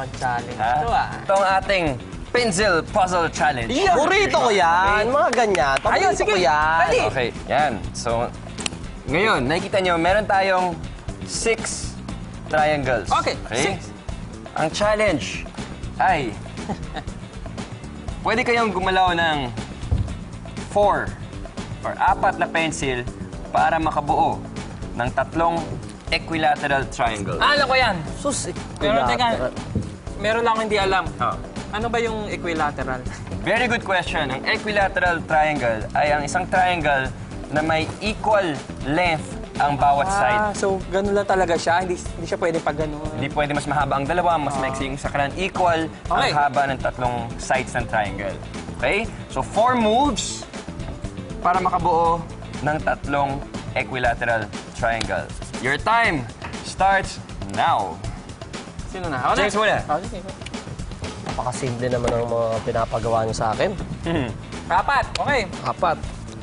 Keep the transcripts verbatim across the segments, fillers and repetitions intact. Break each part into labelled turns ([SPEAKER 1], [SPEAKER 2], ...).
[SPEAKER 1] mukhang challenge.
[SPEAKER 2] Ha?
[SPEAKER 1] Ito ah.
[SPEAKER 2] Ito ang ating Pencil Puzzle Challenge.
[SPEAKER 1] Yeah.
[SPEAKER 3] Burrito ko yan. Mga ganyan.
[SPEAKER 1] Ayun,
[SPEAKER 3] Paborito
[SPEAKER 1] sige.
[SPEAKER 3] ko yan.
[SPEAKER 1] Dali.
[SPEAKER 2] Okay, yan. So, ngayon, nakikita nyo, meron tayong six triangles.
[SPEAKER 1] Okay, six.
[SPEAKER 2] Ang challenge ay, pwede kayong gumalaw ng four or apat na pencil para makabuo ng tatlong equilateral triangle.
[SPEAKER 1] Ah, alam ko yan.
[SPEAKER 3] Sus,
[SPEAKER 1] Pero teka,
[SPEAKER 3] equilateral.
[SPEAKER 1] meron lang akong hindi alam.
[SPEAKER 2] Oh.
[SPEAKER 1] Ano ba yung equilateral?
[SPEAKER 2] Very good question. Ang equilateral triangle ay ang isang triangle na may equal length ang bawat side.
[SPEAKER 1] Ah, so ganun lang talaga siya. Hindi, hindi siya pwede pag ganun.
[SPEAKER 2] Hindi pwede mas mahaba ang dalawa, mas maiksi yung sa kanan. Equal
[SPEAKER 1] Okay.
[SPEAKER 2] ang haba ng tatlong sides ng triangle. Okay? So, four moves para makabuo ng tatlong equilateral triangle. Your time starts now.
[SPEAKER 1] Sino na? Ako na?
[SPEAKER 2] James muna.
[SPEAKER 1] Oh, sige.
[SPEAKER 3] Napakasimple naman ang mga pinapagawa niyo sa akin.
[SPEAKER 1] Apat. Okay.
[SPEAKER 3] Apat.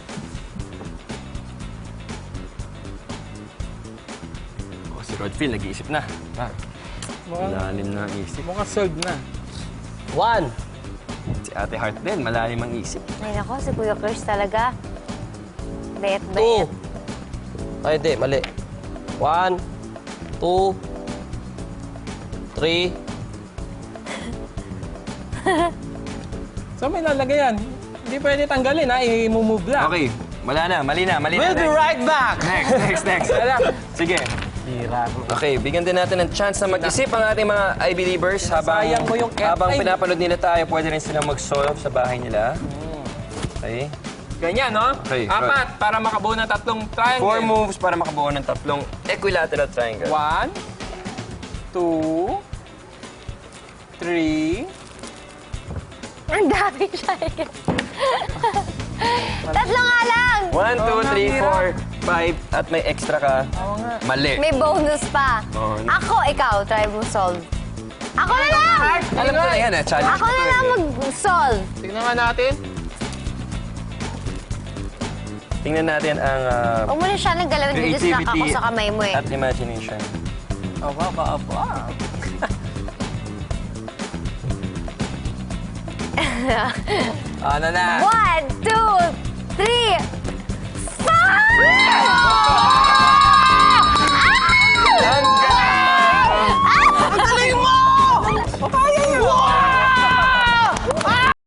[SPEAKER 2] Oh, si Rodfield, nag-iisip na. Ah,
[SPEAKER 1] Mukhang,
[SPEAKER 2] malalim na ang isip.
[SPEAKER 1] mukhang solved na.
[SPEAKER 3] One.
[SPEAKER 2] Si Ate Heart din, malalim ang isip.
[SPEAKER 4] Ay, nako, si Kuya Chris talaga. Bet,
[SPEAKER 3] Two.
[SPEAKER 4] bet.
[SPEAKER 3] Ay, hindi. Mali. One. Two. Three.
[SPEAKER 1] So may lalagay yan. Hindi pwede tanggalin ha. I-move lang.
[SPEAKER 2] Okay, wala na, mali na, mali
[SPEAKER 3] We'll
[SPEAKER 2] na.
[SPEAKER 3] be
[SPEAKER 2] Next.
[SPEAKER 3] right back.
[SPEAKER 2] Next, next, next. Sige.
[SPEAKER 1] Hira.
[SPEAKER 2] Okay, bigyan din natin ng chance na mag-isip ang ating mga I-believers habang,
[SPEAKER 1] Sayang mo yung
[SPEAKER 2] habang
[SPEAKER 1] F. Ay.
[SPEAKER 2] pinapanood nila tayo, pwede rin silang mag-solve sa bahay nila. Okay.
[SPEAKER 1] Ganyan, no?
[SPEAKER 2] Okay,
[SPEAKER 1] Apat para makabuo ng tatlong triangle.
[SPEAKER 2] Four moves para makabuo ng tatlong equilateral triangle.
[SPEAKER 1] One, two, three.
[SPEAKER 4] Ang dami siya eh. Tatlo nga lang!
[SPEAKER 2] One, two,
[SPEAKER 1] Oo nga,
[SPEAKER 2] three,
[SPEAKER 1] hirap.
[SPEAKER 2] four, five, at may extra ka.
[SPEAKER 1] Oo nga.
[SPEAKER 2] Mali.
[SPEAKER 4] May bonus pa.
[SPEAKER 2] Oo.
[SPEAKER 4] Ako, ikaw, try mo solve. Ako na lang!
[SPEAKER 2] Alam ko na yan eh, challenge
[SPEAKER 4] Ako
[SPEAKER 2] ko
[SPEAKER 4] na
[SPEAKER 2] to
[SPEAKER 4] lang
[SPEAKER 2] eh.
[SPEAKER 4] mag-solve.
[SPEAKER 1] Tignan nga natin.
[SPEAKER 2] Tingnan natin ang uh,
[SPEAKER 4] Huwag mo na siya naggalawin. Didistract ako
[SPEAKER 2] creativity
[SPEAKER 4] sa kamay mo eh.
[SPEAKER 2] at imagination.
[SPEAKER 1] Aba, aba, aba.
[SPEAKER 2] Ano na?
[SPEAKER 4] One, two,